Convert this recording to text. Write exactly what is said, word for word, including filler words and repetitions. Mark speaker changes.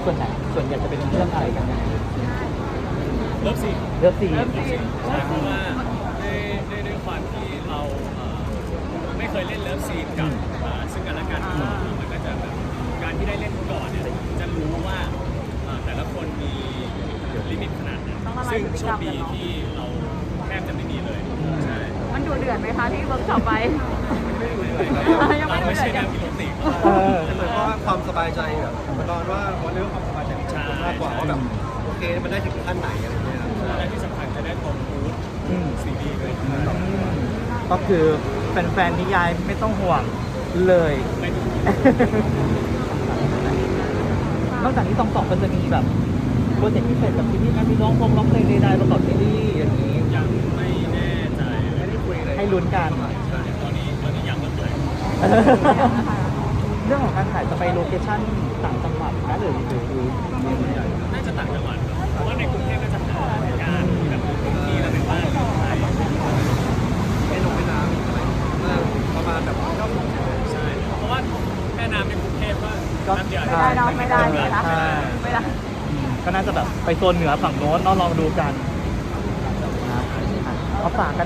Speaker 1: ส่วนไหนส่วนใหญ่จะเป็นเรื่องอะไรกันยังไง
Speaker 2: เลิฟซีน
Speaker 1: เรื่องซีน
Speaker 2: ใช่เพราะว่าด้วยด้วยด้วยความที่เราเอ่อไม่เคยเล่นเลิฟซีนกับเอ่อซึ่งกันและกันมาก่อนมันก็จะแบบการที่ได้เล่นก่อนเนี่ยจะรู้ว่าเอ่อแต่ละคนมีลิมิตขนาดไหนซึ่งโชคดีที่เราแทบจะไม่มีเลยใช่
Speaker 3: มันดูเดือดไหมคะที่เวิร์กช็อปไป ยังไม่
Speaker 2: เรา
Speaker 3: ดู
Speaker 2: ไม่
Speaker 3: เดือ
Speaker 2: ใช่
Speaker 3: ด
Speaker 2: แน
Speaker 3: ยั
Speaker 2: ว
Speaker 3: ง
Speaker 2: กิโลติก
Speaker 1: เออ
Speaker 4: เหมือนว่าความสบายใจแบบมันนอนว่าวันเรื่องความสบายใจของคนมากกว่าว่าแบบโอเคมันได้ถึงขั้นไหนอะไรเงี้ยครับ
Speaker 2: และที่สำคัญจะได้ตรงบูธ
Speaker 1: อืม
Speaker 2: ซีดีด้วย
Speaker 1: ก็คือแฟนๆนิยายไม่ต้องห่วงเลย
Speaker 2: ไม่ถูก
Speaker 1: นอกจากนี้ตองสองมันจะมีแบบโปรเจกต์พิเศษกับซีรีส์ไหมมีร้องพงร้องเพลงใดๆประกอบซีรีส์อย่างนี้
Speaker 2: ยังไม่แน่ใจ
Speaker 4: ไม่ได้คุยเลย
Speaker 1: ให้ลุ้นกัน
Speaker 4: ใช่
Speaker 2: ตอนนี้ตอนนี้ยังไม่เลย
Speaker 1: เรื่องของการถ่ายจะไปโลเคชั่นต่างจังหวัดนะหรือหรือหรือ
Speaker 2: น่าจะต่างจังหวัดเพราะว่าในกรุงเทพน่าจะหาการที่แบบที่เราเป็นบ้านหรืออะไร
Speaker 4: ไม่ลงไม่น้ำอะไรประมาณแบบเก้าสิบ
Speaker 2: ใช่เพราะว่าแม่น้ำในกรุงเทพก็น้ำเดียว
Speaker 3: ไม่ได้เนาะไม่ได้ไม่ได้
Speaker 1: ใช่
Speaker 3: ไม่ได้
Speaker 1: ก็น่าจะแบบไปโซนเหนือฝั่งโน้นเนาะลองดูกันนะเอาฝากกัน